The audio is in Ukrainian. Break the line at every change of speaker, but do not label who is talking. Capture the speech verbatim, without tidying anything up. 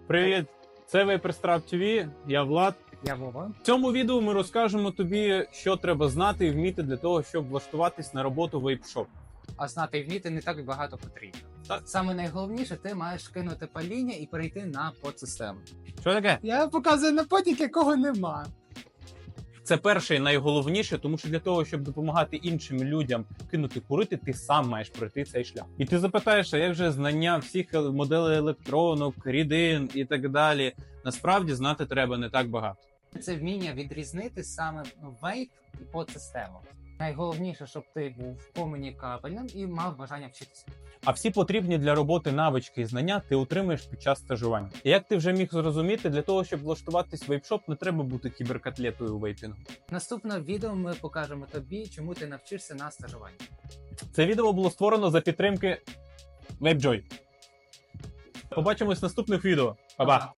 Привіт! Це Вейперстрап ті ві, я Влад.
Я Вова.
В цьому відео ми розкажемо тобі, що треба знати і вміти для того, щоб влаштуватись на роботу в вейп-шоп.
А знати і вміти не так багато потрібно.
Так.
Саме найголовніше, ти маєш кинути паління і перейти на подсистему.
Що таке?
Я показую на подік, якого нема.
Це перше і найголовніше, тому що для того, щоб допомагати іншим людям кинути курити, ти сам маєш пройти цей шлях. І ти запитаєш, а як же знання всіх моделей електронок, рідин і так далі? Насправді знати треба не так багато.
Це вміння відрізнити саме вейп і подсистему. Найголовніше, щоб ти був комунікабельним і мав бажання вчитися.
А всі потрібні для роботи навички і знання ти отримаєш під час стажування. І як ти вже міг зрозуміти, для того, щоб влаштуватись в вейп-шоп, не треба бути кіберкотлетою у вейпінгу.
Наступне відео ми покажемо тобі, чому ти навчишся на стажуванні.
Це відео було створено за підтримки WapeJoy. Побачимось в наступних відео. Па-па!